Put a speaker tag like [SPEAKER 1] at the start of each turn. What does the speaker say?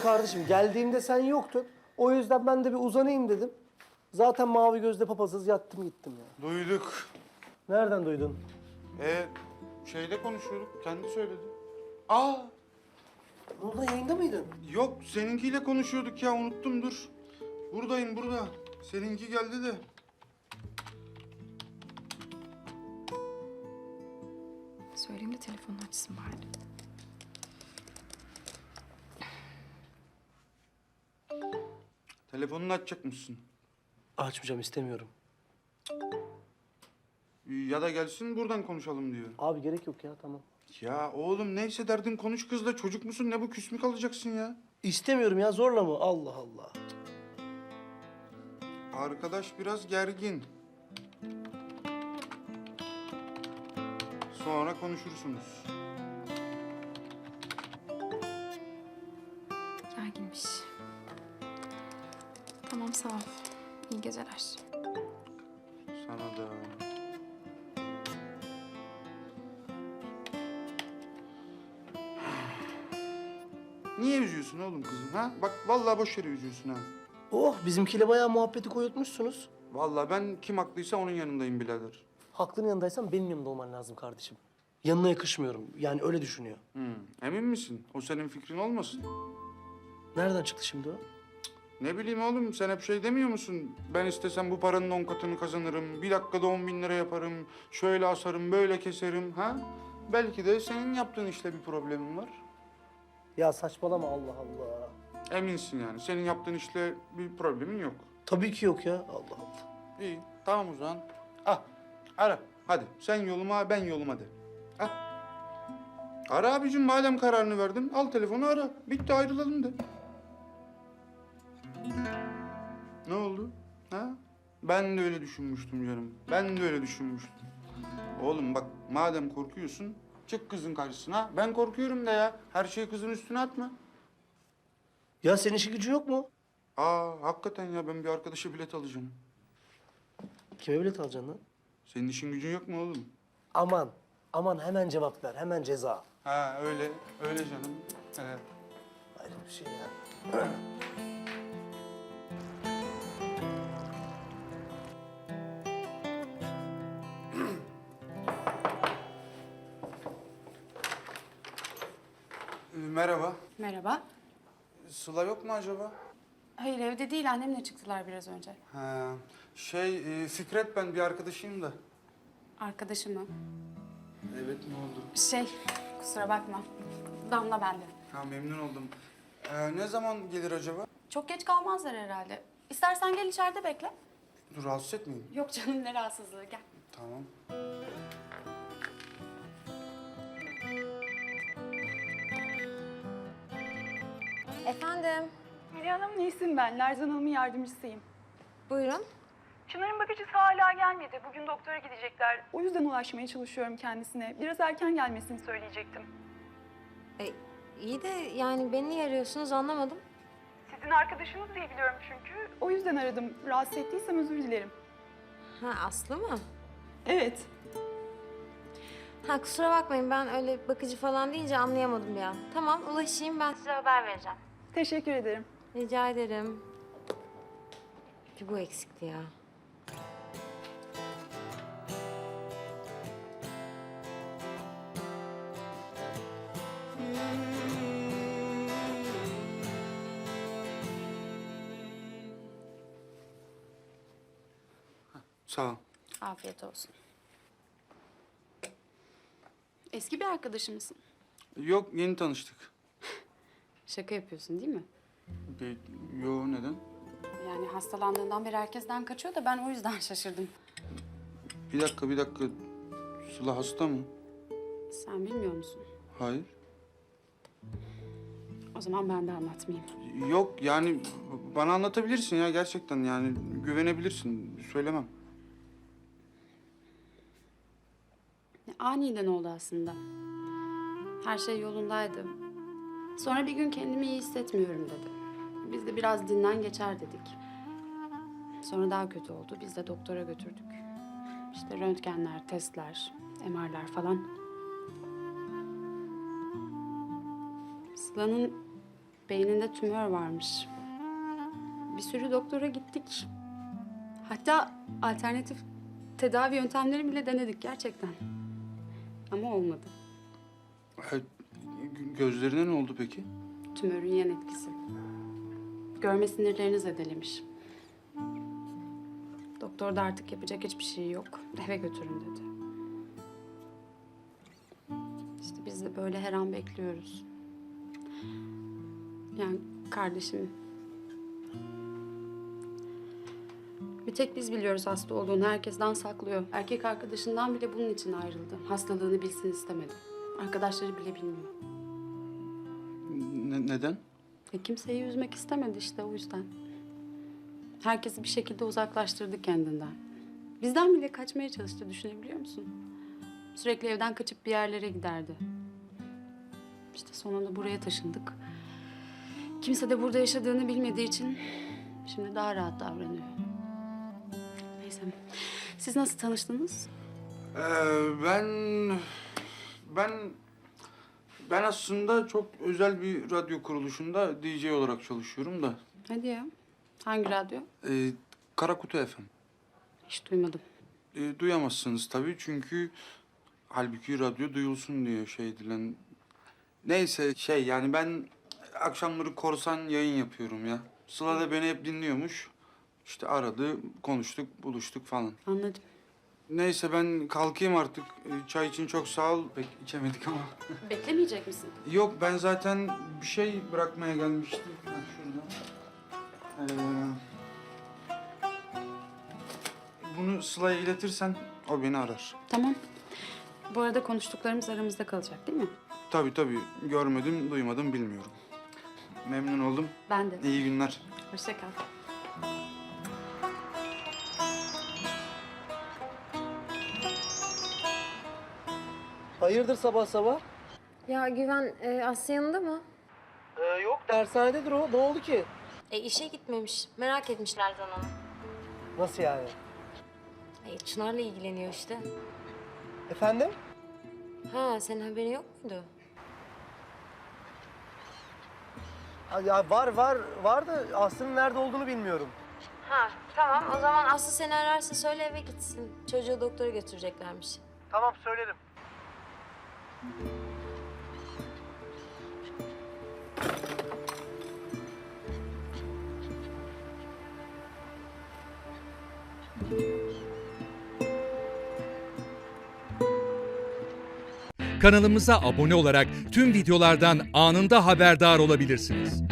[SPEAKER 1] kardeşim geldiğimde sen yoktun. O yüzden ben de bir uzanayım dedim. Zaten mavi gözle papazız yattım gittim ya.
[SPEAKER 2] Duyduk.
[SPEAKER 1] Nereden duydun?
[SPEAKER 2] Şeyde konuşuyorduk, kendi söyledi. Aa,
[SPEAKER 1] Ne oldu, yayında mıydın?
[SPEAKER 2] yok seninkiyle konuşuyorduk ya, unuttum dur. Buradayım burada. Seninki geldi de.
[SPEAKER 3] Söyleyeyim de telefonunu açsın bari.
[SPEAKER 2] Telefonunu açacak mısın?
[SPEAKER 1] Açmayacağım, istemiyorum.
[SPEAKER 2] Ya da gelsin buradan konuşalım diyor.
[SPEAKER 1] Abi gerek yok ya, tamam.
[SPEAKER 2] Ya oğlum neyse derdin konuş kızla. Çocuk musun ne bu, küs mü kalacaksın ya?
[SPEAKER 1] İstemiyorum ya, zorla mı? Allah Allah.
[SPEAKER 2] Arkadaş biraz gergin. Sonra konuşursunuz.
[SPEAKER 3] Gerginmiş. Tamam, sağ ol. İyi geceler.
[SPEAKER 2] Sana da. Niye üzüyorsun oğlum kızım ha? Bak vallahi boş yere üzüyorsun ha.
[SPEAKER 1] Oh, bizimkiyle bayağı muhabbeti koyutmuşsunuz.
[SPEAKER 2] Vallahi ben kim haklıysa onun yanındayım birader.
[SPEAKER 1] Haklının yanındaysan benim yanımda olman lazım kardeşim. Yanına yakışmıyorum. Yani öyle düşünüyor.
[SPEAKER 2] Emin misin? O senin fikrin olmasın?
[SPEAKER 1] Nereden çıktı şimdi o?
[SPEAKER 2] Ne bileyim oğlum, sen hep şey demiyor musun? Ben istesem bu paranın 10 katını kazanırım. Bir dakikada 10.000 lira yaparım. Şöyle asarım, böyle keserim ha? Belki de senin yaptığın işte bir problemin var.
[SPEAKER 1] Ya saçmalama, Allah Allah.
[SPEAKER 2] Eminsin yani. Senin yaptığın işle bir problemin yok.
[SPEAKER 1] Tabii ki yok ya, Allah Allah.
[SPEAKER 2] İyi, tamam o zaman. Ah, ara. Hadi sen yoluma, ben yoluma de. Ah. Ara abicim, madem kararını verdin. Al telefonu ara. Bitti, ayrılalım de. Ne oldu? Ha? Ben de öyle düşünmüştüm canım. Ben de öyle düşünmüştüm. Oğlum bak, madem korkuyorsun, çık kızın karşısına. Ben korkuyorum de ya. Her şeyi kızın üstüne atma.
[SPEAKER 1] Ya senin işi gücün yok mu?
[SPEAKER 2] Hakikaten ya, ben bir arkadaşa bilet alacağım.
[SPEAKER 1] Kime bilet alacaksın lan?
[SPEAKER 2] Senin işin gücün yok mu oğlum?
[SPEAKER 1] Aman, aman hemen cevap ver, hemen ceza.
[SPEAKER 2] Ha öyle, öyle canım. Evet.
[SPEAKER 1] Ayrı bir şey ya.
[SPEAKER 2] Merhaba.
[SPEAKER 4] Merhaba.
[SPEAKER 2] Sıla yok mu acaba?
[SPEAKER 4] Hayır, evde değil. Annemle çıktılar biraz önce.
[SPEAKER 2] Ha, Fikret, ben bir arkadaşıyım da.
[SPEAKER 4] Arkadaşım mı?
[SPEAKER 2] Evet, ne oldu?
[SPEAKER 4] Kusura bakma. Damla bende.
[SPEAKER 2] Ha, memnun oldum. Ne zaman gelir acaba?
[SPEAKER 4] Çok geç kalmazlar herhalde. İstersen gel içeride bekle.
[SPEAKER 2] Dur, rahatsız etmeyin.
[SPEAKER 4] Yok canım, ne rahatsızlığı. Gel.
[SPEAKER 2] Tamam.
[SPEAKER 5] Efendim,
[SPEAKER 6] Hülya Hanım, Nesin ben. Lerzan Hanım'ın yardımcısıyım.
[SPEAKER 5] buyurun.
[SPEAKER 6] Çınar'ın bakıcısı hala gelmedi. Bugün doktora gidecekler. O yüzden ulaşmaya çalışıyorum kendisine. Biraz erken gelmesini söyleyecektim.
[SPEAKER 5] İyi de yani beni niye arıyorsunuz anlamadım.
[SPEAKER 6] Sizin arkadaşınız diye biliyorum çünkü. O yüzden aradım. Rahatsız ettiysem özür dilerim.
[SPEAKER 5] Ha, Aslı mı?
[SPEAKER 6] Evet.
[SPEAKER 5] Ha, kusura bakmayın, ben öyle bakıcı falan deyince anlayamadım bir an. Tamam, ulaşayım, ben size haber vereceğim.
[SPEAKER 6] Teşekkür ederim.
[SPEAKER 5] Rica ederim. Bir bu eksikti ya.
[SPEAKER 2] Sağ ol.
[SPEAKER 4] Afiyet olsun. Eski bir arkadaşım mısın?
[SPEAKER 2] Yok, yeni tanıştık.
[SPEAKER 4] Şaka yapıyorsun değil mi?
[SPEAKER 2] Yo, neden?
[SPEAKER 4] Yani hastalandığından beri herkesten kaçıyor da ben o yüzden şaşırdım.
[SPEAKER 2] Bir dakika. Sıla hasta mı?
[SPEAKER 4] Sen bilmiyor musun?
[SPEAKER 2] Hayır.
[SPEAKER 4] O zaman ben de anlatmayayım.
[SPEAKER 2] Yok yani, bana anlatabilirsin ya gerçekten, yani güvenebilirsin. Söylemem.
[SPEAKER 4] Aniden oldu aslında. Her şey yolundaydı. Sonra bir gün kendimi iyi hissetmiyorum dedi. Biz de biraz dinlen geçer dedik. Sonra daha kötü oldu. Biz de doktora götürdük. İşte röntgenler, testler, MR'lar falan. Sıla'nın Beyninde tümör varmış. Bir sürü doktora gittik. Hatta alternatif tedavi yöntemleri bile denedik gerçekten. Ama olmadı.
[SPEAKER 2] Gözlerine ne oldu peki?
[SPEAKER 4] Tümörün yan etkisi. Görme sinirlerini zedelemiş. Doktor da artık yapacak hiçbir şey yok. Eve götürün dedi. İşte biz de böyle her an bekliyoruz. Yani kardeşim... Bir tek biz biliyoruz hasta olduğunu. Herkesten saklıyor. Erkek arkadaşından bile bunun için ayrıldı. Hastalığını bilsin istemedi. Arkadaşları bile bilmiyor.
[SPEAKER 2] Neden?
[SPEAKER 4] Kimseyi üzmek istemedi işte o yüzden. Herkesi bir şekilde uzaklaştırdı kendinden. Bizden bile kaçmaya çalıştı, düşünebiliyor musun? Sürekli evden kaçıp bir yerlere giderdi. İşte sonunda buraya taşındık. Kimse de burada yaşadığını bilmediği için şimdi daha rahat davranıyor. Neyse. Siz nasıl tanıştınız?
[SPEAKER 2] Ben aslında çok özel bir radyo kuruluşunda DJ olarak çalışıyorum da.
[SPEAKER 4] Hadi ya. Hangi radyo?
[SPEAKER 2] Karakutu FM.
[SPEAKER 4] Hiç duymadım.
[SPEAKER 2] Duyamazsınız tabii çünkü halbuki radyo duyulsun diye şey edilen. Neyse yani ben akşamları korsan yayın yapıyorum ya. Sıla da beni hep dinliyormuş. İşte aradı, konuştuk, buluştuk falan.
[SPEAKER 4] Anladım.
[SPEAKER 2] Neyse ben kalkayım artık. Çay için çok sağ ol. Pek içemedik ama.
[SPEAKER 4] Beklemeyecek misin?
[SPEAKER 2] Yok ben zaten bir şey bırakmaya gelmiştim. Ben şurada. Bunu Sıla'ya iletirsen o beni arar.
[SPEAKER 4] Tamam. Bu arada konuştuklarımız aramızda kalacak değil mi?
[SPEAKER 2] Tabii görmedim, duymadım, bilmiyorum. Memnun oldum.
[SPEAKER 4] Ben de.
[SPEAKER 2] İyi günler.
[SPEAKER 4] Hoşça kal.
[SPEAKER 1] Hayırdır sabah sabah?
[SPEAKER 5] Ya Güven, Aslı yanında mı?
[SPEAKER 1] Yok, dershanededir o. Ne oldu ki?
[SPEAKER 5] İşe gitmemiş. Merak etmişler onu.
[SPEAKER 1] Nasıl yani?
[SPEAKER 5] Çınar'la ilgileniyor işte.
[SPEAKER 1] Efendim?
[SPEAKER 5] Ha, senin haberin yok muydu?
[SPEAKER 1] Ya var da Aslı'nın nerede olduğunu bilmiyorum.
[SPEAKER 5] Ha, tamam. O zaman Aslı seni ararsa söyle eve gitsin. Çocuğu doktora götüreceklermiş.
[SPEAKER 1] Tamam söylerim.
[SPEAKER 7] Kanalımıza abone olarak tüm videolardan anında haberdar olabilirsiniz.